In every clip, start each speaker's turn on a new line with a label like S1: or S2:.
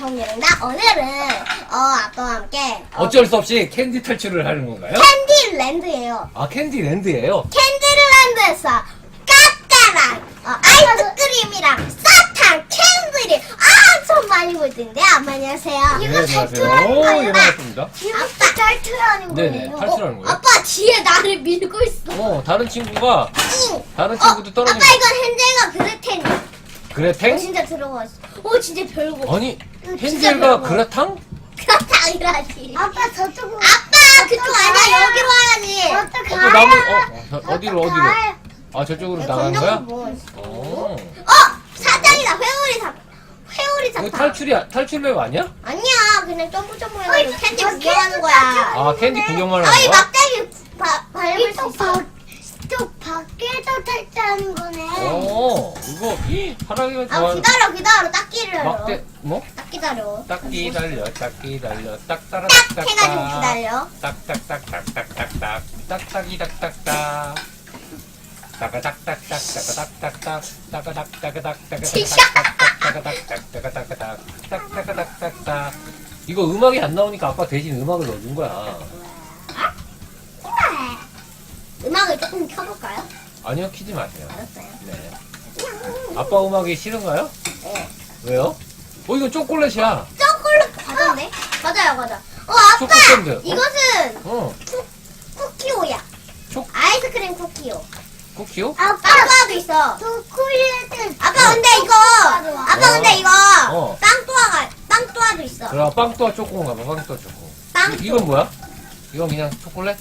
S1: 정예입니다. 오늘은 아빠와 함께
S2: 어쩔 수 없이 캔디 탈출을 하는 건가요?
S1: 캔디랜드예요.
S2: 아, 캔디랜드예요?
S1: 캔디랜드에서 까까랑 아이스크림이랑 사탕, 캔들이 엄청 많이 볼 텐데 안녕하세요.
S2: 네,
S1: 이거
S2: 안녕하세요.
S1: 탈출하는
S2: 오,
S1: 거야.
S2: 예, 반갑습니다.
S1: 아빠 탈출하는 거예요.
S2: 네네, 탈출하는 거예요.
S1: 아빠 뒤에 나를 밀고 있어.
S2: 다른 친구가,
S1: 응.
S2: 다른 친구도 떨어지면.
S1: 아빠 이건 헨젤과 그레텐.
S2: 그레탱?
S1: 진짜 들어가 있어. 오 진짜 별거.
S2: 아니,
S1: 진짜
S2: 헨젤과
S1: 별거.
S2: 그라탕?
S1: 그렇다이라지.
S3: 아빠 저쪽으로.
S1: 아빠 그쪽 아니야 여기로 와야지.
S3: 어떡해?
S2: 아까 나무, 어디로? 아, 저쪽으로 나가는 거야?
S1: 뭐.
S2: 어.
S1: 사장이다. 회오리
S2: 이거
S1: 사탕.
S2: 탈출맵 아니야?
S1: 아니야 그냥 점프 해가지고 캔디 구경하는 거야.
S2: 아, 캔디 구경만
S1: 아이
S2: 하는 거야?
S1: 막대기 밟을 수 있어.
S3: 또 밖에서 탈출하는 거네.
S2: 이거, 하랑이가 좋아하는.
S1: 기다려 딱 기다려.
S2: 막대, 뭐?
S1: 딱 기다려.
S2: 딱 기다려, 딱 따라,
S1: 딱 해가지고 기다려.
S2: 딱딱딱딱딱딱딱 딱딱이 딱딱딱 따가닥딱딱 따가닥딱딱 따가닥딱딱 따가닥딱딱 딱딱딱딱 이거 음악이 안 나오니까 아빠 대신 음악을 넣어준 거야.
S1: 음악을 조금 켜볼까요?
S2: 아니요, 키지 마세요.
S1: 알았어요.
S2: 네. 아빠 음악이 싫은가요?
S1: 네.
S2: 왜요? 이건 초콜릿이야.
S1: 초콜릿 과자인데? 맞아. 아빠
S2: 초코샌드.
S1: 이것은 쿠키오야. 아이스크림 쿠키오.
S2: 쿠키요?
S1: 빵또아도 있어.
S3: 초콜릿은
S1: 아빠 근데 이거
S2: 어.
S1: 빵또아도 있어.
S2: 그럼 빵또와 초코인가 봐. 빵또와 초코.
S1: 빵또.
S2: 이건 뭐야? 이건 그냥 초콜릿?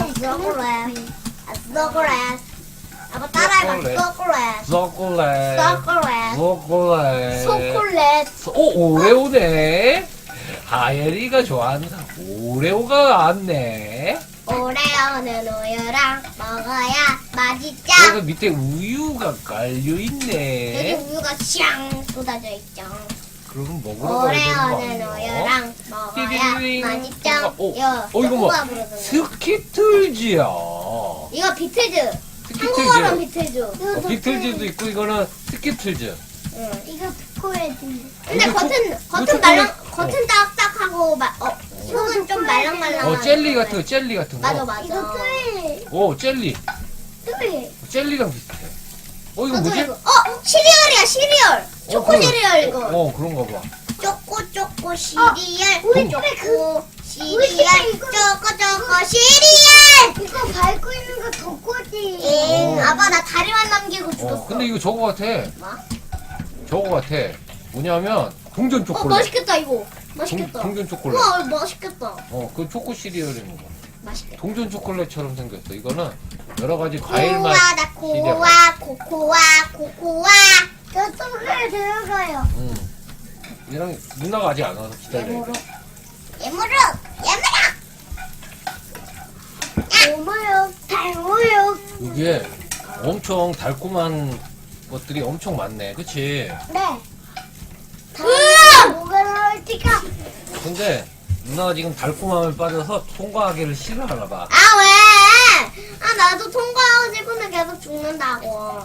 S1: 초콜릿. 아빠 따라해봐.
S2: 초콜릿.
S1: 초콜릿.
S2: 초콜릿.
S1: 초콜릿.
S2: 초콜릿.
S1: 초콜릿.
S2: 오레오네. 하예리가 좋아하는 오레오가 왔네.
S1: 오레오는 우유랑 먹어야 맛있죠.
S2: 그래서 밑에 우유가 깔려
S1: 여기
S2: 있네.
S1: 우유가 샹 쏟아져 있죠.
S2: 그러면 먹으러 가야 되는
S1: 오레오는
S2: 거 아니야?
S1: 우유랑 먹어야
S2: 띠리링.
S1: 맛있죠.
S2: 이거 뭐? 스키틀즈야.
S1: 이거 비틀즈.
S2: 스키틀즈.
S1: 한국어로는 비틀즈.
S2: 비틀즈도 있고 이거는 스키틀즈.
S1: 응.
S3: 이거 초콜릿인데.
S1: 근데
S2: 이거
S1: 겉은
S2: 초콜릿-
S1: 말랑 겉은 딱딱하고 속은 좀 말랑말랑.
S2: 젤리 같은 거.
S1: 맞아.
S3: 이거 초콜릿.
S2: 젤리.
S3: 초콜릿.
S2: 젤리랑 비슷해. 이거 뭐지?
S1: 시리얼이야 시리얼. 초코
S2: 그래.
S1: 시리얼 이거.
S2: 그런가 봐.
S1: 초코 시리얼.
S3: 우리
S1: 초코
S3: 우리 집에
S1: 시리얼.
S3: 이거-
S1: 초코 시리얼.
S3: 이거 밟고 있는 거 덕꼬지.
S1: 아빠 나 다리만 남기고 죽었어.
S2: 근데 이거 저거 같아.
S1: 뭐?
S2: 저거 같아. 뭐냐면 동전 초콜릿.
S1: 맛있겠다 이거. 맛있겠다.
S2: 동전 초콜릿.
S1: 우와 맛있겠다.
S2: 그 초코 시리얼인 거.
S1: 맛있겠다.
S2: 동전 초콜릿처럼 생겼어. 이거는 여러 가지 과일 맛.
S1: 코아다
S2: 시리얼.
S1: 코코아.
S3: 저 속에 들어가요.
S2: 얘랑 누나가 아직 안 와서 기다려.
S1: 예무룩.
S3: 달고요.
S2: 이게 엄청 달콤한 것들이 엄청 많네. 그치?
S3: 네.
S1: 으아!
S3: 뭐가 나올지가.
S2: 근데 누나가 지금 달콤함을 빠져서 통과하기를 싫어하나 봐.
S1: 아 왜? 나도 통과하고 싶은데 계속 죽는다고.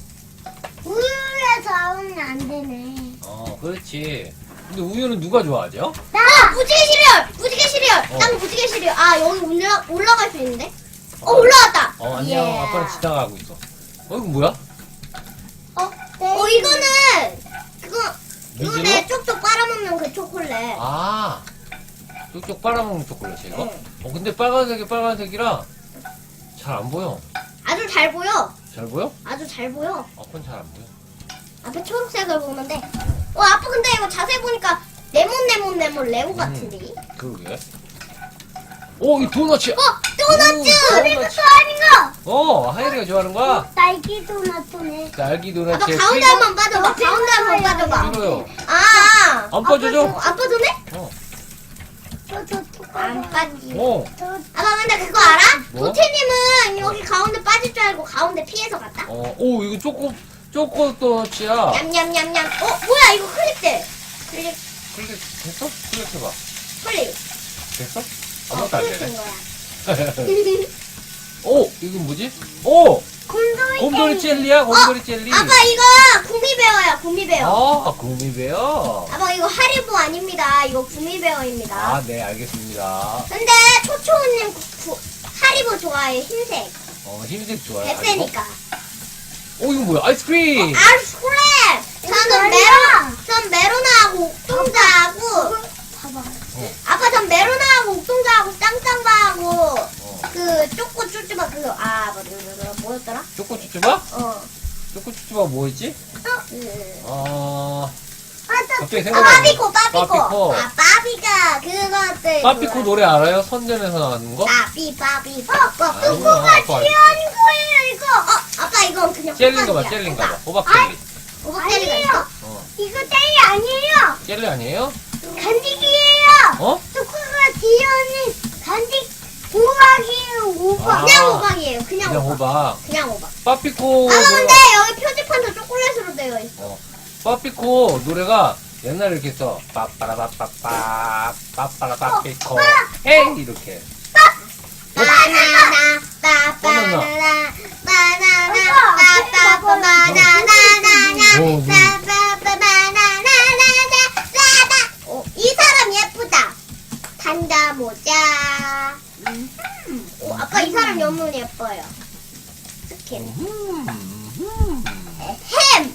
S3: 우유에 잡으면 안 되네.
S2: 그렇지. 근데 우유는 누가 좋아하죠?
S1: 무지개 시리얼. 난 무지개 시리얼. 여기 올라갈 수 있는데?
S2: 어.
S1: 올라왔다.
S2: 안녕.
S1: 예.
S2: 아빠는 지나가고 있어. 이거 뭐야?
S1: 이거는 그거
S2: 미즈노?
S1: 내 쪽쪽 빨아먹는 그 초콜릿.
S2: 쪽쪽 빨아먹는 초콜릿이 이거? 근데 빨간색이라 잘 안 보여.
S1: 아주 잘 보여.
S2: 잘 보여?
S1: 아주 잘 보여.
S2: 아빠는 잘 안 보여.
S1: 앞에 초록색을 보는데. 아빠 근데 이거 자세히 보니까 레몬 레고 같은데.
S2: 그러게. 이 도넛이야.
S1: 도넛츠.
S2: 도넛.
S3: 아닌가?
S2: 하이리가 좋아하는 거야?
S3: 딸기 도넛이네.
S2: 딸기 도넛.
S1: 아빠 가운데 한번 빠져봐. 가운데 한번 빠져봐.
S2: 싫어요.
S1: 안
S2: 빠져줘?
S1: 안 빠져네? 안 빠지. 아빠 근데 그거 알아?
S2: 뭐?
S1: 도태님은 여기 가운데 빠질 줄 알고 가운데 피해서 갔다.
S2: 이거 초코 도넛이야.
S1: 냠냠냠냠. 뭐야 이거 클릭돼. 클릭.
S2: 됐어? 클릭해봐.
S1: 클릭.
S2: 됐어? 아무것도 안 되네.
S1: 클릭된 거야.
S2: 이건 뭐지? 곰돌이 젤리야? 곰돌이 젤리.
S1: 아빠 이거 구미베어야 구미베어.
S2: 아, 구미베어.
S1: 아빠 이거 하리보 아닙니다. 이거 구미베어입니다.
S2: 아, 네, 알겠습니다.
S1: 근데 초초님 하리보 좋아해 흰색.
S2: 흰색 좋아요.
S1: 뱃세니까.
S2: 오, 이거 뭐야? 아이스크림!
S1: 아이스크림! 전 메로나하고 옥동자하고
S3: 봐봐.
S1: 아빠 전 메로나하고 옥동자하고 짱짱바하고 그 쪼꼬 쭈쭈바 그거 뭐였더라?
S2: 초코 쭈쭈바?
S1: 어.
S2: 초코 쭈쭈바 뭐였지? 갑자기
S1: 아,
S2: 생각나네.
S1: 빠삐코.
S2: 빠삐코.
S1: 아, 빠삐가 그것들.
S2: 빠삐코 노래 알아요? 선전에서 나가는 거?
S1: 빠삐.
S2: 아니야, 아빠
S1: 귀여운 거예요, 이거. 아빠 이건 그냥
S2: 젤리인가 봐,
S1: 호박이야,
S2: 젤리인가 봐.
S1: 호박.
S2: 호박 젤리.
S1: 호박 젤리가 있어?
S2: 어.
S3: 이거 젤리 아니에요.
S2: 젤리 아니에요?
S3: 간식이에요.
S2: 어?
S3: 초코가 귀여운 간식 호박이에요. 호박.
S2: 아.
S1: 그냥 호박이에요, 그냥
S2: 그냥
S1: 호박.
S2: 호박.
S1: 그냥 호박.
S2: 빠삐코
S1: 아, 근데
S2: 노래가,
S1: 여기 표지판도 초콜릿으로 되어 있어.
S2: 빠삐코 노래가 옛날에 이렇게 써. 빠빠라빠빠빠, 빠빠라빠삐코. 헤이! 이렇게.
S1: 바나나,
S2: 바나나.
S1: 바나나, 바나나나나나나나,
S2: 오,
S1: 이 사람 예쁘다. 판다 모자. 아까 이 사람 너무 예뻐요. 스킨. 햄.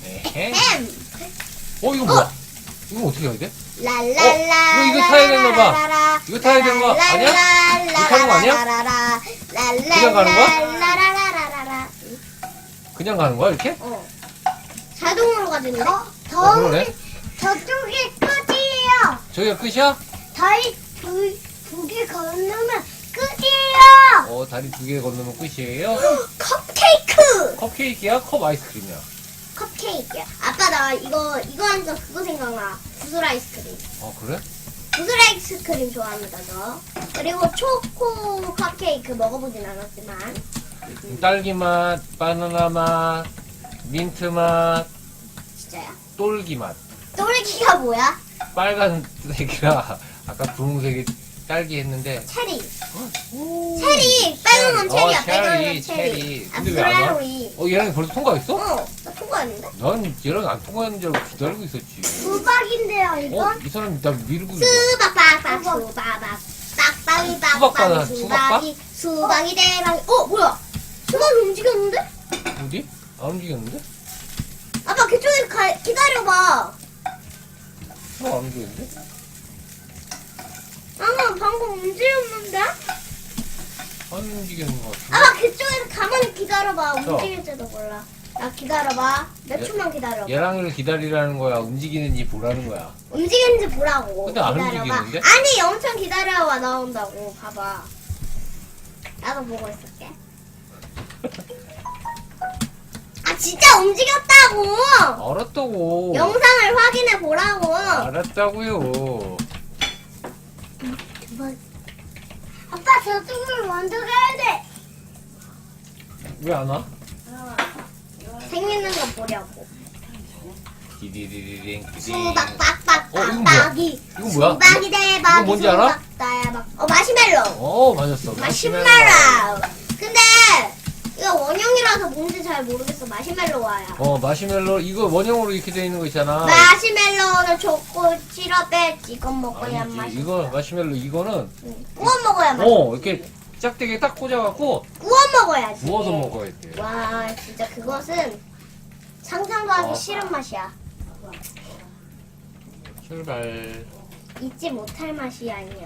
S2: 이거 뭐야? 이거 어떻게 해야 돼?
S1: 랄랄라.
S2: 이거 타야 되나 봐. 이거 타야 되는 거 아니야? 이거 타는 거 아니야? 그냥 가는 거야?
S1: 라라라라라라.
S2: 그냥 가는 거야, 이렇게?
S1: 자동으로 가지는데?
S2: 그러네.
S3: 저쪽이 끝이에요.
S2: 저기가 끝이야?
S3: 다리 두개 건너면 끝이에요.
S2: 다리 2개 건너면 끝이에요?
S1: 컵케이크!
S2: 컵케이크야? 컵 아이스크림이야?
S1: 컵케이크야. 아빠 나 이거 하니까 그거 생각나. 구슬 아이스크림.
S2: 그래?
S1: 구슬 아이스크림 좋아합니다 저. 그리고 초코 컵케이크 먹어보진 않았지만.
S2: 딸기 맛, 바나나 맛, 민트 맛,
S1: 진짜야?
S2: 똘기 맛.
S1: 또래기가 뭐야?
S2: 빨간색이라 아까 분홍색이 딸기 했는데
S1: 체리. 체리. 빨간 건 체리야. 빨간 건
S2: 체리.
S1: 체리.
S2: 근데 왜 안 와?
S1: 브라우니.
S2: 얘랑이 벌써 통과했어?
S1: 나 통과했는데?
S2: 난 얘랑 안 통과하는 줄 알고 기다리고 있었지.
S3: 수박인데요, 이거?
S2: 이 사람이 나 미루고 있어.
S1: 수박박박 수박박 빡빡이 빡빡이 수박이 수박이 대박이. 뭐야? 수박이 움직였는데?
S2: 어디? 안 움직였는데?
S1: 아빠 그쪽에서 기다려봐.
S2: 안 움직였는데?
S1: 방금 움직였는데?
S2: 안 움직이는 것 같은데?
S1: 아빠 그쪽에서 가만히 기다려봐. 움직일지도 몰라. 야 기다려봐. 몇 초만 기다려봐.
S2: 얘랑이를 기다리라는 거야? 움직이는지 보라는 거야?
S1: 움직이는지 보라고.
S2: 근데 안
S1: 기다려봐.
S2: 움직이는데?
S1: 아니 엄청 기다려봐 나온다고. 봐봐. 나도 보고 있을게. 아 진짜 움직였다고.
S2: 알았다고.
S1: 영상을 확인해 보라고.
S2: 알았다고요.
S3: 아빠 저쪽으로 먼저 가야 돼.
S2: 왜 안 와?
S1: 생기는 거 보려고.
S2: 디디디디딩 디딩.
S1: 수박 빡빡
S2: 이거 뭐야?
S1: 빡빡이.
S2: 이거 뭐야?
S1: 수박이 대박이.
S2: 이거 뭔지 알아?
S1: 수박 대박. 마시멜로.
S2: 맞았어.
S1: 마시멜로. 근데 이거 원형이라서 뭔지 잘 모르겠어. 마시멜로와야.
S2: 마시멜로 이거 원형으로 이렇게 돼 있는 거 있잖아.
S1: 마시멜로는 초코 시럽에 찍어 먹어야
S2: 아니지.
S1: 맛있어.
S2: 이거 마시멜로 이거는
S1: 구워 먹어야 맛있어.
S2: 이렇게 짝대기에 딱 꽂아갖고
S1: 구워 먹어야지.
S2: 구워서 먹어야 돼.
S1: 와 진짜 그것은 상상도 하기 싫은 맛이야.
S2: 출발.
S1: 잊지 못할 맛이 아니야.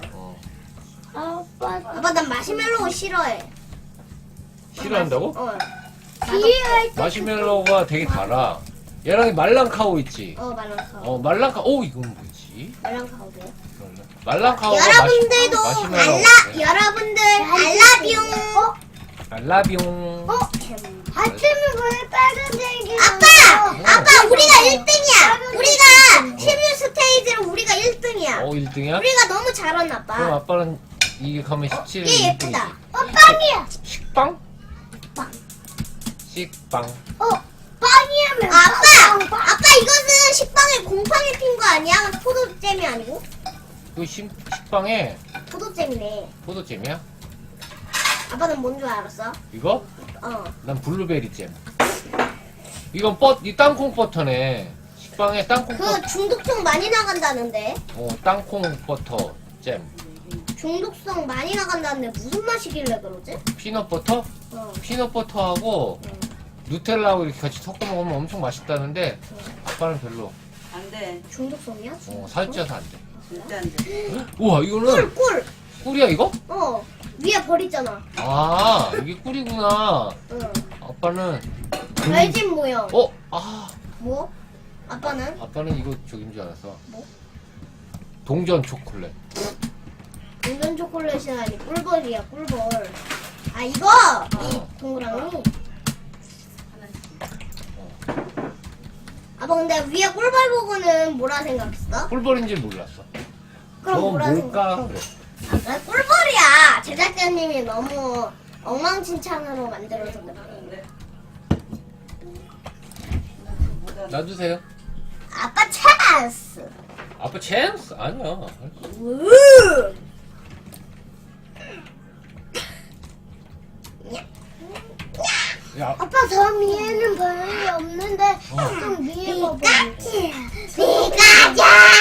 S3: 아빠
S1: 아빠 난 마시멜로 싫어해.
S2: 싫어한다고?
S3: 뒤에
S2: 마시멜로가 되게 달아. 얘랑 말랑카오 있지?
S1: 말랑카오.
S2: 말랑카오. 이건 뭐지?
S1: 말랑카오도.
S2: 말랑카오가
S1: 여러분들도
S2: 마시멜로.
S1: 여러분들 알라뷰.
S2: 알라비용.
S3: 아침에 왜 빨간색이
S1: 아빠 우리가 1등이야. 우리가 16스테이지로 우리가 1등이야.
S2: 1등이야?
S1: 우리가 너무 잘했나
S2: 그럼
S1: 봐.
S2: 아빠는 이게 가면 17일
S1: 얘 예쁘다.
S3: 빵이야.
S2: 식빵?
S1: 빵.
S2: 식빵.
S3: 빵이야면
S1: 아빠 이것은 식빵에 곰팡이 핀 거 아니야? 포도잼이 아니고?
S2: 이거 식빵에
S1: 포도잼이네.
S2: 포도잼이야?
S1: 아빠는 뭔 줄 알았어?
S2: 이거?
S1: 어.
S2: 난 블루베리 잼. 이건 이 땅콩 버터네. 식빵에 땅콩 버터.
S1: 그 중독성 많이 나간다는데.
S2: 땅콩 버터 잼.
S1: 중독성 많이 나간다는데 무슨 맛이길래 그러지?
S2: 피넛 버터?
S1: 어.
S2: 피넛 버터하고 누텔라하고 이렇게 같이 섞어 먹으면 엄청 맛있다는데 아빠는 별로.
S4: 안 돼.
S1: 중독성이야?
S2: 살쪄서 안 돼.
S4: 절대 안 돼.
S2: 우와, 이거는
S1: 꿀!
S2: 꿀이야 이거?
S1: 어. 위에 버리잖아.
S2: 아, 이게 꿀이구나.
S1: 응.
S2: 아빠는
S1: 별집 모형.
S2: 뭐?
S1: 아빠는?
S2: 아빠는 이거 저긴 줄 알았어.
S1: 뭐?
S2: 동전 초콜릿.
S1: 동전 초콜릿이 아니 꿀벌이야 꿀벌. 아 이거! 이 동그라미. 아빠 근데 위에 꿀벌 보고는 뭐라 생각했어?
S2: 꿀벌인지 몰랐어.
S1: 그럼
S2: 저건
S1: 뭐라
S2: 뭘까?
S1: 생각했어?
S2: 그래.
S1: 아 그래, 꿀벌이야. 제작자님이 너무 엉망진창으로 만들어서
S4: 안 돼.
S2: 놔주세요.
S1: 아빠 찬스.
S2: 아빠 챔스? 아니야.
S1: 우!
S2: 야,
S3: 아빠 저 위에는 별이 없는데 좀 위에 봐봐.
S1: 피카츄!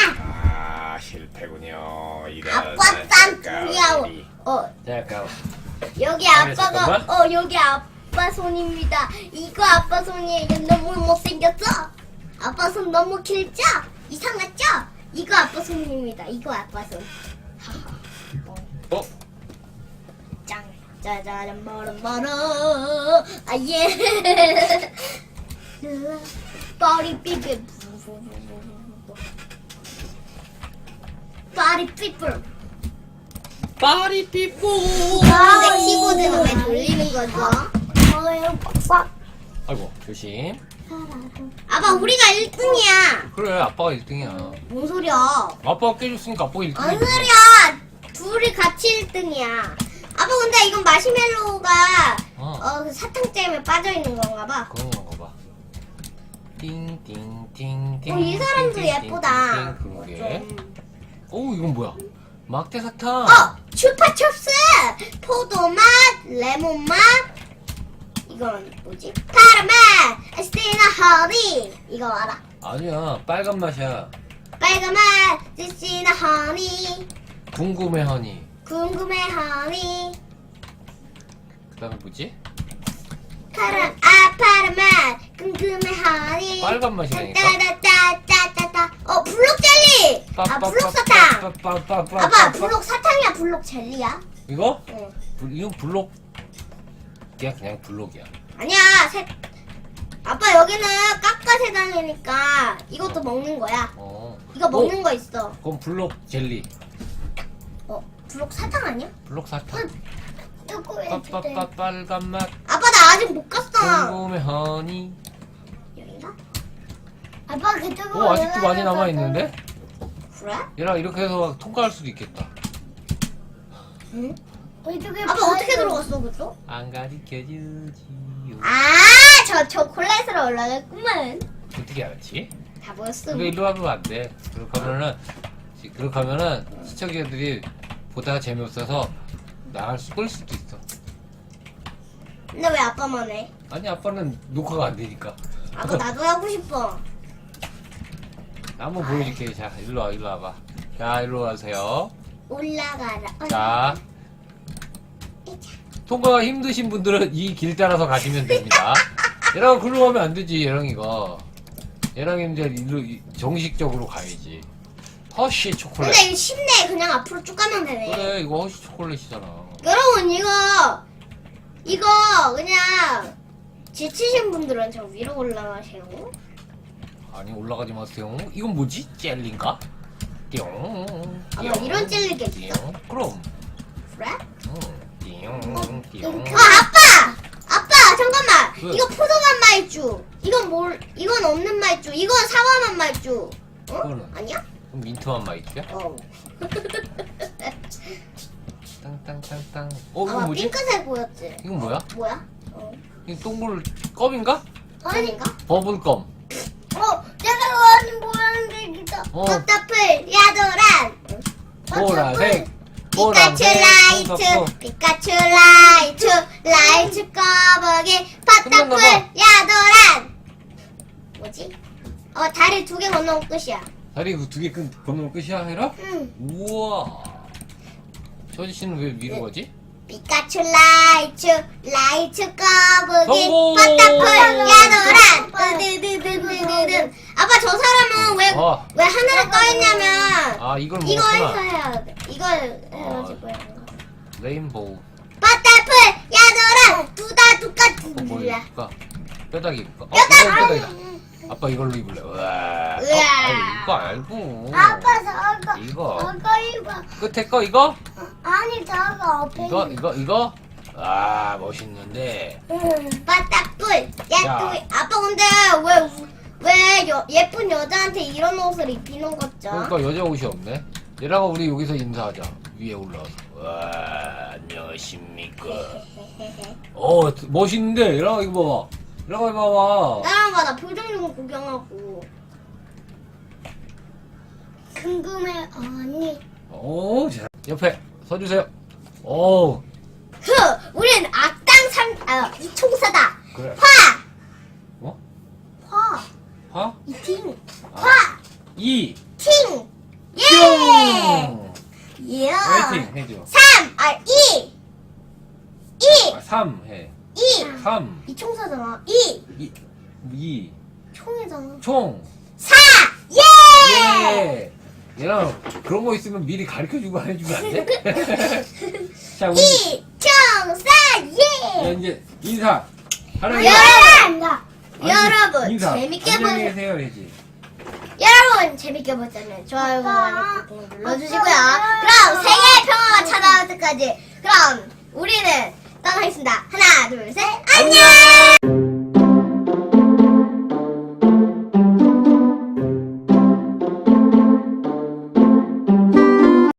S2: 실패군요.
S1: 아빠 딴 어
S2: 잠깐.
S1: 여기
S2: 아니,
S1: 아빠가
S2: 잠깐만.
S1: 여기 아빠 손입니다. 이거 아빠 손이에요. 너무 못생겼죠? 아빠 손 너무 길죠? 이상하죠? 이거 아빠 손입니다. 이거 아빠 손.
S2: 어?
S1: 짱 짜자잔 멀어 아예 빠리 삐삐 빠리 삐뿔.
S2: 파리 삐뽀.
S1: 근데 키보드는 왜 돌리는 거죠?
S2: 아이고, 조심.
S1: 아빠 우리가 1등이야.
S2: 그래, 아빠가 1등이야.
S1: 뭔 소리야?
S2: 아빠가 깨줬으니까 아빠가 1등이야.
S1: 뭔 소리야? 둘이 같이 1등이야. 아빠 근데 이건 마시멜로우가 그 사탕잼에 빠져있는 건가 봐.
S2: 그런 건가 봐. 띵띵띵띵.
S1: 이 사람도 예쁘다.
S2: 그러게. 오, 이건 뭐야? 막대 사탕.
S1: 슈파춥스! 포도맛, 레몬맛, 이건 뭐지? 카라멜, 에스티나 허니. 이거 알아?
S2: 아니야, 빨간 맛이야.
S1: 빨간맛, 에스티나 허니.
S2: 궁금해 허니.
S1: 궁금해 허니.
S2: 그 다음에 뭐지?
S1: 파란맛, 궁금해 허니.
S2: 빨간 맛이라니까.
S1: 따다따따따따. 블록 젤리! 블록 사탕! 아빠, 블록 사탕이야, 블록 젤리야?
S2: 이거?
S1: 응.
S2: 이건 블록. 그냥 블록이야.
S1: 아니야, 아빠 여기는 깎아 세상이니까 이것도 먹는 거야. 이거 먹는 거 있어.
S2: 그럼 블록 젤리.
S1: 블록 사탕 아니야?
S2: 블록 사탕.
S3: 조금만
S2: 빨간 맛.
S1: 아빠 나 아직 못 갔어.
S2: 궁금해 허니.
S1: 여긴가?
S3: 아빠 그쪽으로
S2: 아직도 많이 남아 있는데?
S1: 그래?
S2: 얘랑 이렇게 해서 통과할 수도 있겠다.
S1: 응?
S3: 이쪽에
S1: 아빠 어떻게 들어갔어 그쪽?
S2: 안 가르쳐주지요.
S1: 저 초콜릿으로 올라갔구만.
S2: 어떻게 알았지?
S1: 다 보였어.
S2: 근데 일로 가면 안 돼. 그렇게 하면은 시청자들이 보다가 재미없어서 끌 수도 있어.
S1: 근데 왜 아빠만 해?
S2: 아니, 아빠는 녹화가 안 되니까.
S1: 아빠 나도 하고 싶어.
S2: 나 한번 보여줄게. 자, 일로 와봐. 자, 일로 와세요.
S1: 올라가라.
S2: 자, 통과가 힘드신 분들은 이 길 따라서 가시면 됩니다. 얘랑 글로 가면 안 되지, 얘랑이가. 얘랑 이제 일로 정식적으로 가야지. 허쉬 초콜릿.
S1: 근데 이거 쉽네. 그냥 앞으로 쭉 가면 되네.
S2: 그래, 이거 허쉬 초콜릿이잖아.
S1: 여러분 이거 그냥 지치신 분들은 저 위로 올라가세요.
S2: 아니, 올라가지 마세요. 이건 뭐지? 젤리인가? 띠용.
S1: 아마 이런 젤리가 있어?
S2: 띠용. 그럼.
S1: 그래?
S2: 띠용. 띠용.
S1: 아빠 잠깐만.
S2: 왜?
S1: 이거 포도맛 말주. 이건 없는 말주. 이건 사과맛 말주.
S2: 그거는?
S1: 아니야?
S2: 그럼 민트만 맛있죠? 땅땅땅땅. 이건
S1: 아마
S2: 뭐지?
S1: 핑크색 보였지?
S2: 이건 뭐야?
S1: 뭐야?
S2: 이 동굴 껌인가?
S1: 아닌가?
S2: 버블껌.
S3: 내가 좋아하는 모양색이다.
S1: 꽃다풀 야도란
S2: 보라색.
S1: 피카츄 라이트 피카츄 라이트 빠따풀 야도란. 뭐지? 다리 2개 건너면 끝이야.
S2: 다리 그 2개 건너면 끝이야, 해라?
S1: 응.
S2: 우와. 저 아저씨는 왜 위로 가지?
S1: 피카츄 라이츄 거북이
S2: 성공!
S1: 빠따풀 야도란. 으드드드드드드. 아빠 저 사람은 왜 하늘에 떠 있냐면
S2: 아, 이걸
S1: 이거 해서
S2: 먹었구나.
S1: 해야 돼. 이걸 해가지고 해야 돼.
S2: 레인보우.
S1: 빠따풀 야도란 두다 똑같은
S2: 뭐
S1: 몰라.
S2: 입을까? 뼈다귀 입을까?
S1: 뼈다귀!
S2: 이거 뼈다귀다. 아빠 이걸로 입을래. 우와. 이거 알고.
S3: 아빠 저거
S2: 이거.
S3: 저거 이거
S2: 끝에 거 이거?
S3: 아니 저거 앞에
S2: 이거? 아, 멋있는데.
S1: 빠따풀 야도이. 아빠 근데 왜 예쁜 여자한테 이런 옷을 입히는 거죠?
S2: 그러니까 여자 옷이 없네. 얘랑아 우리 여기서 인사하자. 위에 올라와서. 와, 안녕하십니까. 멋있는데. 얘랑아 이거 봐봐. 얘랑아 이거 봐봐.
S1: 나랑 나 표정 좀 구경하고.
S3: 궁금해 언니.
S2: 자, 옆에 서주세요. 오,
S1: 우린 이총사다.
S2: 그래.
S1: 화!
S2: 어?
S1: 화!
S2: 화?
S1: 이팅!
S2: 아.
S1: 화!
S2: 이.
S1: 팅! 예!
S2: 뿅!
S1: 예!
S2: 화이팅 해줘.
S1: 2!
S2: 3 해.
S1: 2!
S2: 3.
S1: 이총사잖아. 2!
S2: 2.
S1: 총이잖아.
S2: 총.
S1: 4! 예!
S2: 예! 얘랑 그런 거 있으면 미리 가르쳐주고 안 해주면 안 돼? 자, 우리
S1: 이총사
S2: 야,
S1: 예!
S2: 이제 인사. 하나,
S1: 여러분
S2: 인사.
S1: 재밌게
S2: 안녕히
S1: 보세요.
S2: 계세요, 해지.
S1: 여러분 재밌게 보셨다면 좋아요, 구독 눌러주시고요.
S3: 아빠.
S1: 그럼 세계의 평화가 찾아올 때까지 그럼 우리는 떠나겠습니다. 하나, 둘, 셋, 안녕!